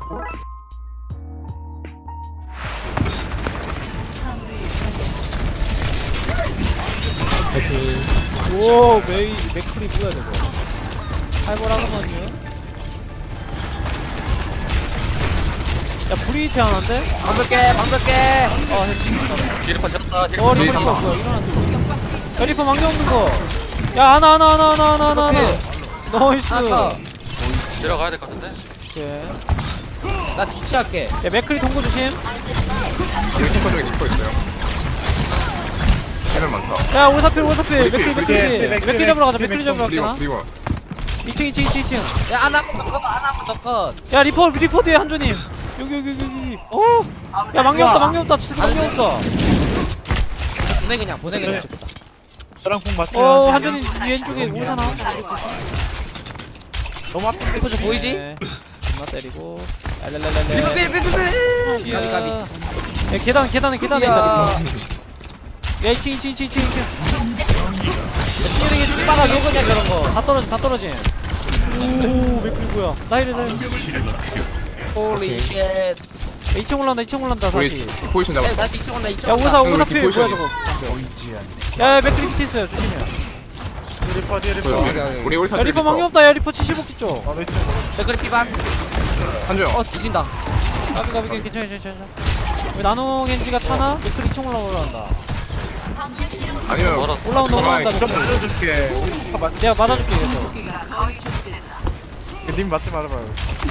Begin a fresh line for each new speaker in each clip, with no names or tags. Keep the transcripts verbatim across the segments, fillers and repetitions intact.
오 메이 맥클이 뭐야 저거 살벌하구만요. 야 브리히트 하나인데?
방벽게 방벽게
어 했지.
리퍼 졌다.
어 리퍼 리퍼 뭐야 일어났어. 야 리퍼 망령 없는 거. 야 하나 하나 하나 하나 하나 하나 하나. 나이스.
하나
들어가야 될 것 같은데.
오케이.
나 뒤치할게.
야 맥클이 동고 조심.
리퍼 중에 리퍼 있어요. 걔는 많다.
야 오사필 오사필 맥클이
브리히,
맥클이
브리히,
맥클이 잡으러 가자 맥클이 잡으러
브리워
가자.
브리워.
이층 이층 이층 이층.
야 하나 하나 컷.
야 리퍼 리퍼 뒤에 한조님. 여기 여기 여기 여기. 어. 야 망령 없다 망령 없다 진짜 망령 없어.
보내 그냥 보내 그냥.
저랑 공 맞추면
어 한조님 왼쪽에 오사나.
너무 앞에
리퍼 좀 보이지?
네. 존나 때리고. 랄랄랄랄.
리퍼 필 필 필.
야,
가비 가비.
야 계단 계단에 계단에 있다 리퍼. 야 이층 이층 이층 이층 이층.
빠가 요거냐 저런 거.
다 떨어져 다 떨어지. 오 맥클 뭐야? 나이를 나이.
홀리 쉣.
이층 올라온다 이층 올라온다
우리
다시.
포지션
야,
잡았어.
나 뒤쪽 온다 이쪽
야
온다.
오사 오사 필 뭐야
포지션이.
저거. 야 맥클 밑에 있어요 조심해.
리퍼 뒤에 리퍼
보여. 우리 우리
야
타
리퍼 망령 없다 야 리퍼 칠십오 기 쪽.
아 레이트
댓글 피반.
한조영.
어 뒤진다.
가비 가비 괜찮아 괜찮아. 왜 나노 겐지가 타나? 맥클 이층 올라 올라온다.
아니면
멀었어.
올라온다 올라온다.
좀
맥클.
알려줄게 우리 다 맞...
내가 맞아줄게 이거.
님 맞지 말아봐요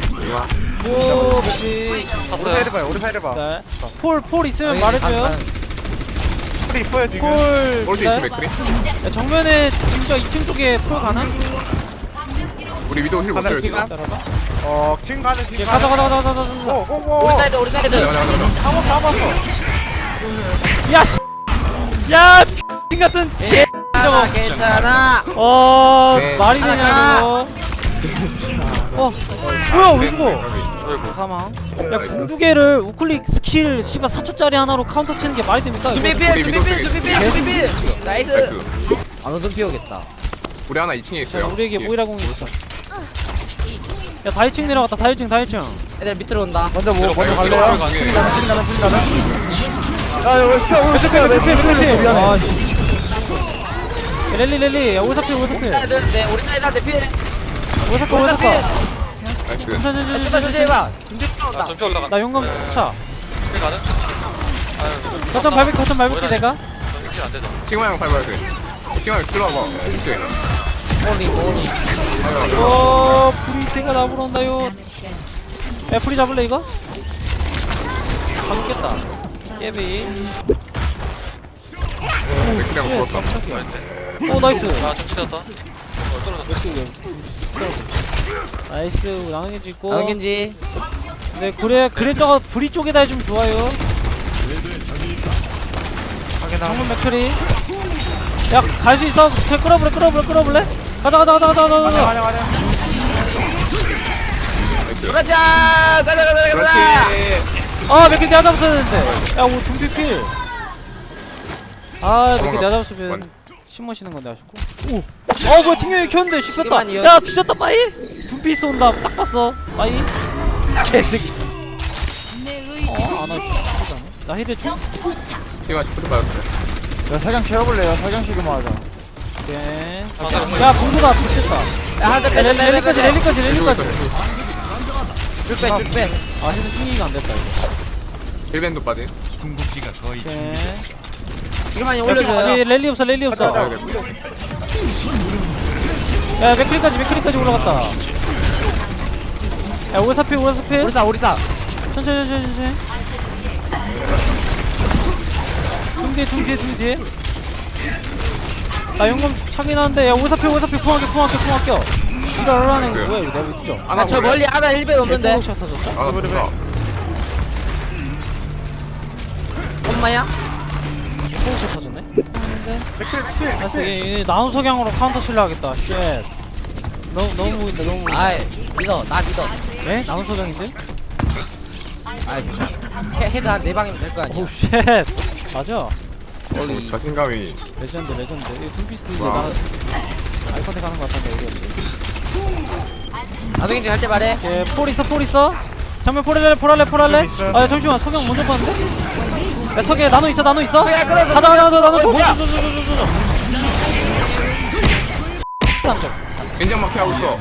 오 맥클.
우리
탔어요.
사이드 봐요 우리 사이드 봐
네. 폴폴 있으면
아니,
말해줘요.
안- 안-
우리 이뻐요 지금
폴.
올수
네.
있어 맥크리.
야, 정면에 진짜 이층 쪽에 폴 가나?
우리 위도 힐 못해요 지금.
하나
따라봐.
어 킹 가는 킹
야 가자 가자 가자 가자 가자.
오오오
우리 사이드 우리 사이드.
가자 가자 가자.
한번 잡았어
야 씨. 야 X 같은 개.
괜찮아 괜찮아.
어
네.
말이
하나
되냐
가.
이거. 어 뭐야 왜 죽어?
어이구.
사망. 야 궁두개를 우클릭 스킬 씨발 사 초짜리 하나로 카운터 치는 게 말이 됩니까? 이거?
준비 필 준비 필 준비 필 준비 필. 나이스.
나이스.
안 오든 피우겠다.
우리 하나 이 층에
자,
있어요.
우리에게 모이라 공이 있어. 야 다이층 내려갔다 다이층 다이층.
애들 밑으로 온다.
먼저 뭐 먼저
갈래요?
갈래요?
가게.
킹 가는 킹 가는 킹 가는 아 여기 스페어 우리 스페어
맥피 맥피 맥피.
미안해
아, 씨. 야, 랠리 랠리. 야 오사필 오사필.
우리 사이드 네 우리 사이드한테 필.
오사필
우리 사이드 필.
오사필.
나이스.
조심해 조심해봐. 군대
아,
들어온다.
전체 올라간다.
나 용감 차.
힐 가능? 아유,
거점 밟을게 거점 밟을게 내가.
힐안 되죠.
칭화 형 밟아야 돼. 칭화 형 들어와봐. 그치?
홀리 홀리.
어 프리테가 나보러 온다요. 야 프리 잡을래 이거? 잡겠다. 깨비.
맥크리하고 죽었다.
오 나이스.
아, 정치 되었다. 어, 떨어졌다.
나이스 나눠겐지 있고.
나경겐지.
네 그래 그래 저거 브리 쪽에다 해주면 좋아요. 정문 맥처리. 야 갈 수 있어? 그냥 끌어볼래 끌어볼래 끌어볼래? 가자 가자 가자 가자 가자 가자.
가자 가자
그러자 가자 가자 가자.
그렇지.
아 맥클 내가 잡았어야 되는데. 야오 둠피 필. 아 맥클 내가 잡았으면 심으시는 건데 아쉽고. 오. 어 뭐야 튕겨이 켰는데 씹혔다.
시간만 이어-
야 뒤졌다 빠이. 둠피 있어 온다. 딱 봤어. 빠이. 개새끼. 어 안와. 나 헤드 좀.
칭화 시프트 받았어요.
야 사장 채워볼래요 사장 시그마 하자
오케이. 야 공도다 미쳤다.
야 하나 빼 빼 빼
랠리까지
빼.
랠리까지
밀고
랠리까지.
있어요.
줄빼 줄빼.
아 헤드 튕기가 안 됐다 이거.
힐밴도 빠진.
오케이.
지금만이
야,
올려줘요.
랠리 없어 랠리 없어.
아, 그래.
야 맥크리까지 맥크리까지 올라갔다. 야 오사피 오사피.
우리사 우리사.
천천히 천천히 천천히. 중뒤에 중뒤에 중뒤에. 나 용감 차긴 하는데 야 오사피 오사피 궁합게 궁합게 궁합게. 이러라는 거 뭐야 이거 내가 왜 진짜.
하나
아저 멀리 하나 일 배 없는데.
샷 터졌다.
아, 나 좋다.
엄마야?
포우샷 터졌네. 근데 나이스 얘 나노 석양으로 카운터 칠려 하겠다. 쉣. 너무 너무 보인다 너무 보인다.
아이 믿어 나 믿어.
네? 나노 석양인데?
아이 해 헤드 한 네 방이면 될 거 아니야.
오 쉣. 맞아.
어, 자신감이.
레전드 레전드. 이 둠피스 이제
와.
나 아이컨택 하는 거 같은데 어디였지?
나경겐지 할 때 말해.
예, 폴 있어 폴 있어. 정면 포랄래 포랄래 포랄래. 아 야, 잠시만 석영 먼저 봤는데. 야 석영 나노 있어 나노 있어.
석영 끊었어,
가자 가자 가자 나노 줘.
뭐야?
줘, 줘, 줘, 줘, 줘, 줘. 남쪽.
인정 마키 하고 있어.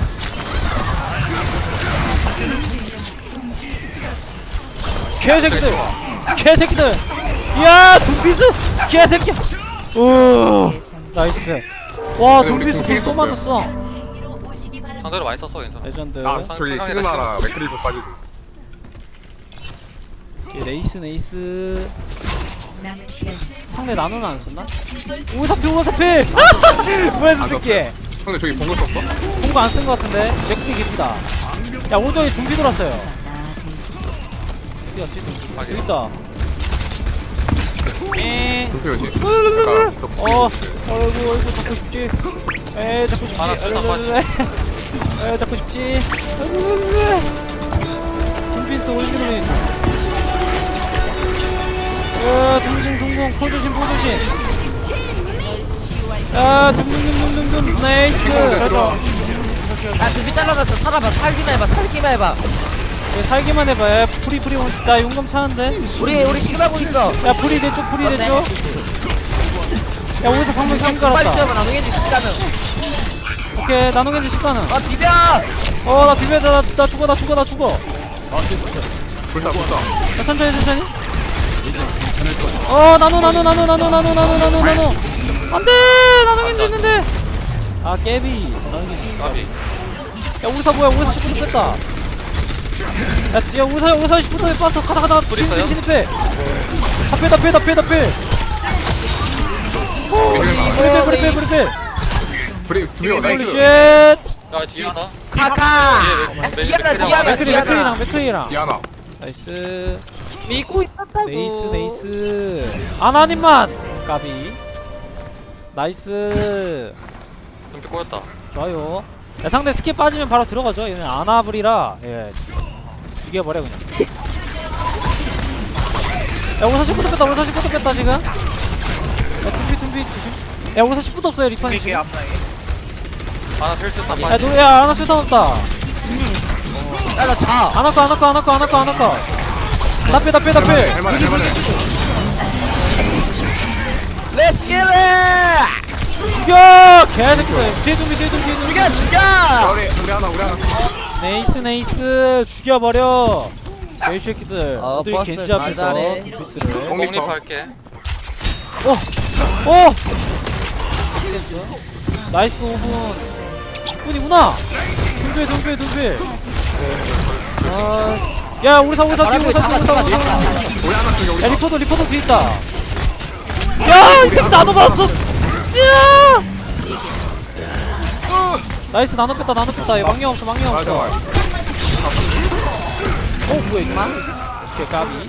개새끼들 개새끼들. 이야 둠피스 개새끼야. 오 나이스. 와
근데 우리
둠피스
둠피스
또 맞았어.
상대로 많이 썼어 괜찮아.
레전드.
아
상-
저기
상황이다,
시그마랑
상황.
맥크리도 빠지고.
오케이, 레이스 레이스. 상대 나노는 안 썼나? 오사피 오사피. 뭐야 이 새끼.
근데 저기 본거 썼어?
공부 안 쓴 것 같은데. 맥크리 깊이다. 야 오른쪽에 준비 돌았어요. 어디 갔지? 여기 있다. 에.
도표 어디?
어, 아이고, 아이고, 잡고 싶지. 에, 잡고 싶지.
하나 쏟아
에, 잡고 싶지. 둠피스 오리지널이. 어, 둥둥, 둥둥, 포조심, 포조심. 아, 둥둥둥둥둥둥, 나이스. 그래서
야 준비 잘라봤어. 살아봐. 살기만 해봐. 살기만 해봐.
살기만 해봐. 야, 프리, 프리, 나 용감 차는데.
우리 우리 시그마고 있어.
야, 프리 대쪽, 프리
어때?
대쪽. 야, 어디서 방금 참
빨리
깔았다.
뛰어봐. 나누겠지 시간은.
오케이, 나노겐지 십가는.
아 비벼.
어, 나 비벼, 나, 나 죽어, 나 죽어, 나 죽어.
불사 불사.
자, 천천히 천천히. 어 나노 나노 나노 나노 나노 나노 나노 나노. 안돼 나노겐지 있는데. 아 깨비. 나노겐지.
까비.
야 우리사 뭐야 우리사 십 분 뺐다. 야, 야 우리사 우리사 십 분 뺐어. 가다 가다.
불 있어요?
진입해. 다 빼, 다 빼, 다 빼, 다 빼. 브리 빼, 브리 빼, 브리 빼.
브리 두명
홀리
나이스.
쉣.
야 뒤에 하나.
카카.
뒤에 맥-
뒤에 하나
맥-
뒤에 하나
맥크리
뒤에 하나.
맥크리랑 맥크리랑.
디아나.
나이스.
믿고 있었다고.
네이스 네이스. 아나님만. 까비. 나이스.
좀비 꼬였다.
좋아요. 야, 상대 스킬 빠지면 바로 들어가죠. 얘는 아나블이라 예 죽여버려 그냥. 야 오사 십 분도 뺐다. 오사 십 분도 뺐다 지금. 야 tum비 tum비 조심. 야 오사 십 분도 없어요 리판이 지금.
하나 필수 다
야
빠지.
노래 야 아나 출탄 없다.
야나 자.
아나꺼 아나꺼 아나꺼 아나꺼 아나꺼. 다빼 다빼 다빼.
할만해 할만해.
렛츠 겟
죽여 개새끼들. 뒤에 tum비 뒤에 tum비 뒤에 tum비.
죽여 죽여.
우리 우리 하나 우리 하나.
네이스 네이스 죽여버려. 개새끼들.
어,
어디
버스
겐지 앞에서
잘하네.
둠비스를.
공립할게.
오! 오! 나이스 오 분. 십 분이구나. 둠필 둠필 둠필. 아, 야 우리 사 우리 사 뒤에 우리 사
잡아
뒤에
잡아
우리 사.
잡아.
우리 하나 저기 우리.
야 리포도 리포도 뒤에 있다. 야 이 새끼 나눠 봤어. 야! 나이스 나눠 뺐다 나눠 뺐다. 얘 망령 없어 망령
맞아
없어.
맞아.
어 뭐야 이거? 오케이 까비.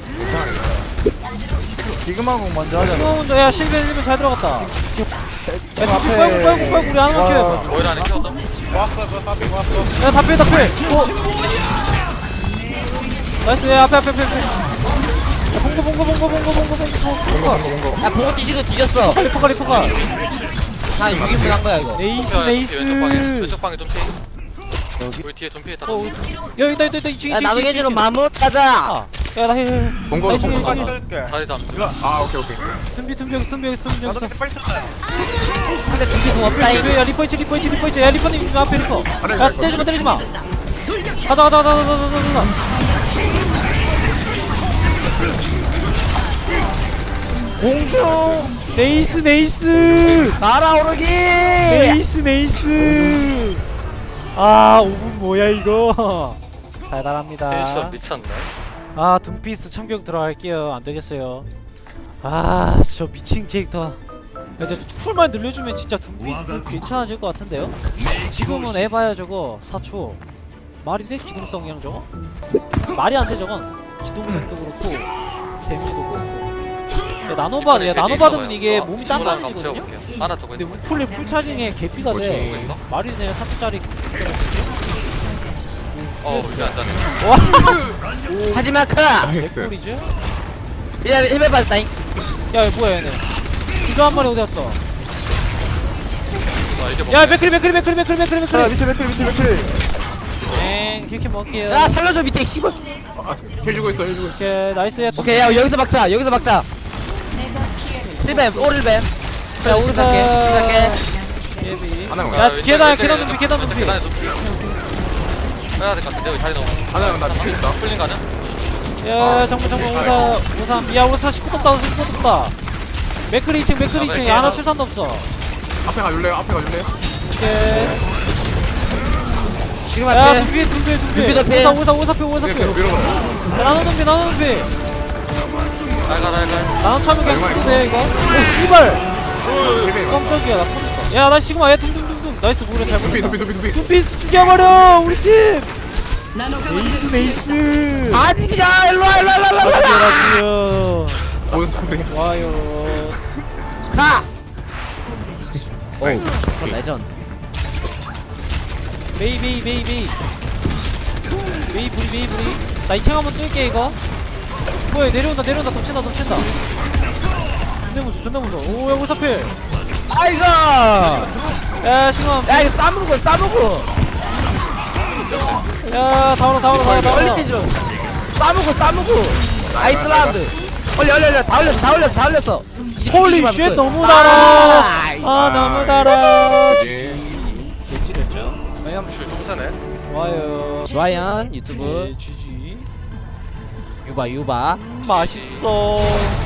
지금하고 먼저 하자.
수호 먼저 야 실드 일면 잘 들어갔다. 야 둠필 빨고 빨고 빨고 우리 하나 키워봐.
오일 안에 키웠다.
야, 다 빼, 다 빼. 어. 나이스, 야, 앞에, 앞에, 앞에. 앞에. 야, 봉고, 봉고, 봉고, 봉고, 봉고, 봉고, 봉고.
야 봉어 뒤지고 뒤졌어.
리퍼가 리퍼가.
한 육 인분 한 거야 이거.
네이스,
왼쪽 방에
네이스.
왼쪽 방에 좀피. 우리 뒤에 좀피 있다.
어, 야, 있다, 있다, 있다. 이층,
야
이층,
나누게지로
이층.
마무리 가자.
아, 야, 나 해, 해.
본거도
나이스,
본거
나이스.
가자.
자리 잡.
아 오케이 오케이.
tumbi, tumbi, 여기, tumbi, 여기, tumbi, 여기.
상대 준비 공 없다잉.
야, 리퍼 있지, 리퍼 있지, 리퍼 있지. 야, 리퍼님, 저 앞에 리퍼. 야, 때리지 마, 때리지 마. 가자, 가자, 가자, 가자, 가자, 가자, 가자. 공중. 네이스, 네이스.
날아오르기.
네이스 네이스. 아 오 분 뭐야 이거. 달달합니다.
텐션 미쳤네.
아 둠피스 참교육 들어갈게요. 안되겠어요. 아 저 미친 캐릭터. 이제 쿨만 늘려주면 진짜 둠피스 괜찮아질 것 같은데요. 지금은 에바야 저거 사 초 말이 돼? 기동성이랑 저거? 말이 안돼 저건. 기동성도 그렇고 데미지도 그렇고. 야, 나노바, 야, 나노 받으면 이게 몸이 단단해지거든요?
하나 두고
근데
있는
우쿨리 풀차징에 개피가 돼.
뭐 있어?
말이 되냐 삼 초짜리.
어 우리 안 자네.
와
하지마 크.
나이스.
개꿀이지?
야 힐베 받았다잉.
야 얘 뭐야 얘네. 이거 한 마리 어디 갔어?
와 이게 뭐?
야 맥크리 맥크리 맥크리 맥크리 맥크리
자
맥크리.
밑에 밑에 밑에 밑에.
엥 힐캠 먹을게요.
야 살려줘 밑에 씨발.
아, 해주고 있어 해주고 있어.
오케이 나이스.
오케이 야 여기서 막자 여기서 막자. 힐뱀 오릴뱀. 자 오른 갈게 지금 갈게.
예비.
하나 형.
야, 계단, 계단 높이, 계단 높이.
계단에 높이. 빼야 될 것 같은데 여기 자리 너무.
하나 형나 뒤에 있다.
풀린 가능?
야 정말 정말 오사 오삼. 야 오사 십구 떴다 십구 떴다. 맥크리 이 층 맥크리 이 층에 하나 출산도 없어.
앞에 가줄래요? 앞에 가줄래요?
오케이.
지금
야
할게.
둠피 둠피 둠피.
둠피 덮이.
오사 오사 오사표 오사표.
이렇게 밀어봐.
나눠 둠피 나눠 둠피.
날가 날가.
나눠 차면 그냥
얼마,
죽는데 이거. 오 씨발.
힐베.
깜짝이야 나 터졌어. 야나 시그마 얘 둥둥둥둥. 나이스 무려 잘
두피
보냈다.
두피 두피 두피.
둠피 죽여버려 우리 팀. 에이스 메이스.
아니 야 일로와 일로와 일로와 일로와.
라디오
뭔 소리?
와요.
가. 오 레전드.
메이 메이 메이 메이 메이 부리 메이 부리. 나 이 층 한번 뚫게 이거. 뭐야 내려온다 내려온다 덮친다 덮친다. 존나 무서워 존나 무서워. 오야 오사필.
아이고.
야 시그마.
야 이거 싸먹어 싸먹어.
야 다오라 다오라 다오라 다오라.
얼리 좀. 싸먹어 싸먹어. 아이슬란드. 얼리 얼리 얼리 다 올렸어 다 올렸어 다 올렸어.
홀리 쉣 너무 달아.
나이스.
아 너무 달아.
예.
개찌렸죠?
줄 똥사네.
좋아요.
좋아요 유튜브
네, 지지.
유바 유바.
음, 맛있어.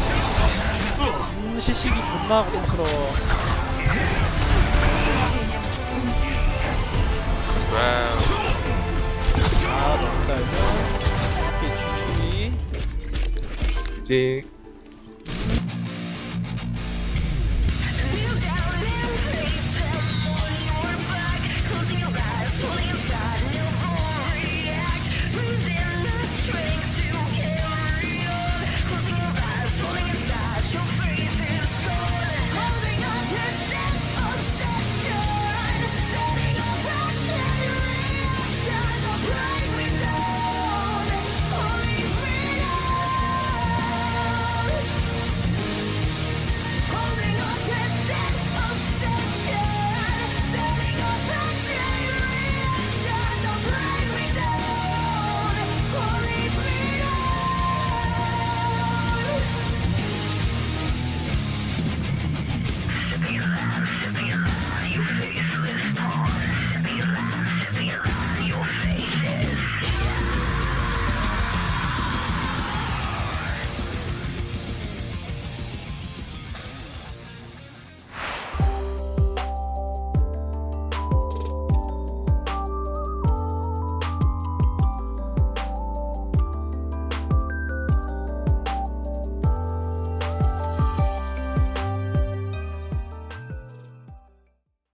음, 시식이 존나 고통스러워.
와우.
아, 너무 달죠? 오케이, 지지.
이제